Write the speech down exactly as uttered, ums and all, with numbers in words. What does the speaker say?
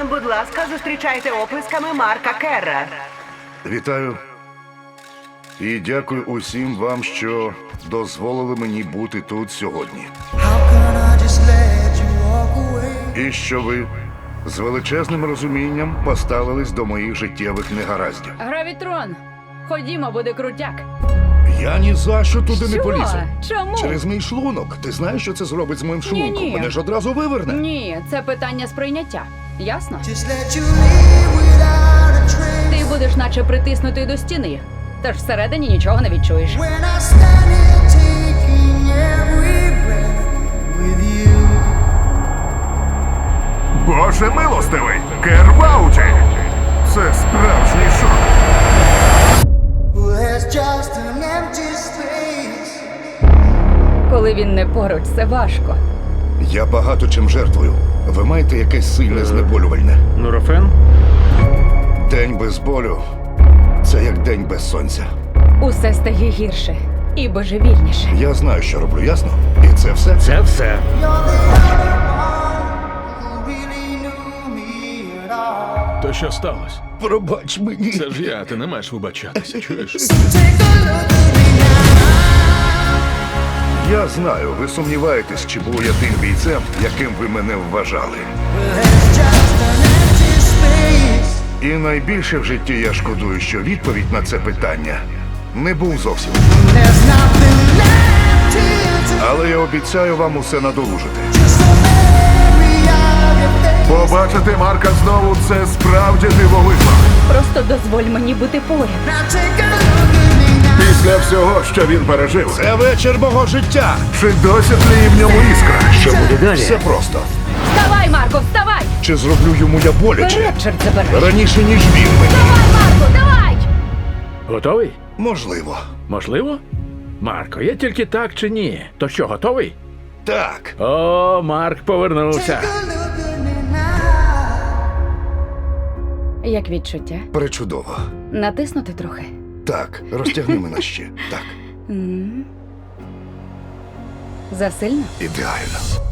Будь ласка, зустрічайте оплесками Марка Керра. Вітаю. І дякую усім вам, що дозволили мені бути тут сьогодні. І що ви з величезним розумінням поставились до моїх життєвих негараздів. Гравітрон, ходімо, буде крутяк. Я ні за що туди не Що? полізу. Чому? Через мій шлунок. Ти знаєш, що це зробить з моїм шлунком? Ні-ні. Мене ж одразу виверне. Ні, це питання сприйняття. Ясно? Just let you leave without a trace. Ти будеш наче притиснутий до стіни, тож всередині нічого не відчуєш. When I stand here taking every breath with you. Боже милостивий! Кер в ауті! Це справжній шок. Well, there's just an empty space. Коли він не поруч, це важко. Я багато чим жертвую. Ви маєте якесь сильне знеболювальне. Нурофен? День без болю – це як день без сонця. Усе стає гірше і божевільніше. Я знаю, що роблю, ясно? І це все? Це все. You're the only one who really knew me at all. То що сталося? Пробач мені. Це ж я, ти не маєш вибачатися, чуєш? Take a look at me now. Я знаю, ви сумніваєтесь, чи був я тим бійцем, яким ви мене вважали. Well, there's just an empty space. І найбільше в житті я шкодую, що відповідь на це питання не був зовсім. There's nothing left here to Але я обіцяю вам усе надолужити. just a memory of your face. Побачити Марка знову – це справді дивовижно. Просто дозволь мені бути поряд. Now take a look at me now. Після всього, що він пережив, Це вечір мого життя. чи досі тліє в ньому іскра? Що буде далі? Все просто. Вставай, Марко, вставай! Чи зроблю йому я боляче? Вперед, чорт забирай! Раніше, ніж він мені. Давай, Марко, давай! Готовий? Можливо. Можливо? Марко, є тільки так чи ні? То що, готовий? Так. О, Марк повернувся. Take a look at me now. Як відчуття? Пречудово. Натиснути трохи. Так, розтягни мене ще. Так, М. Засильно? ідеально.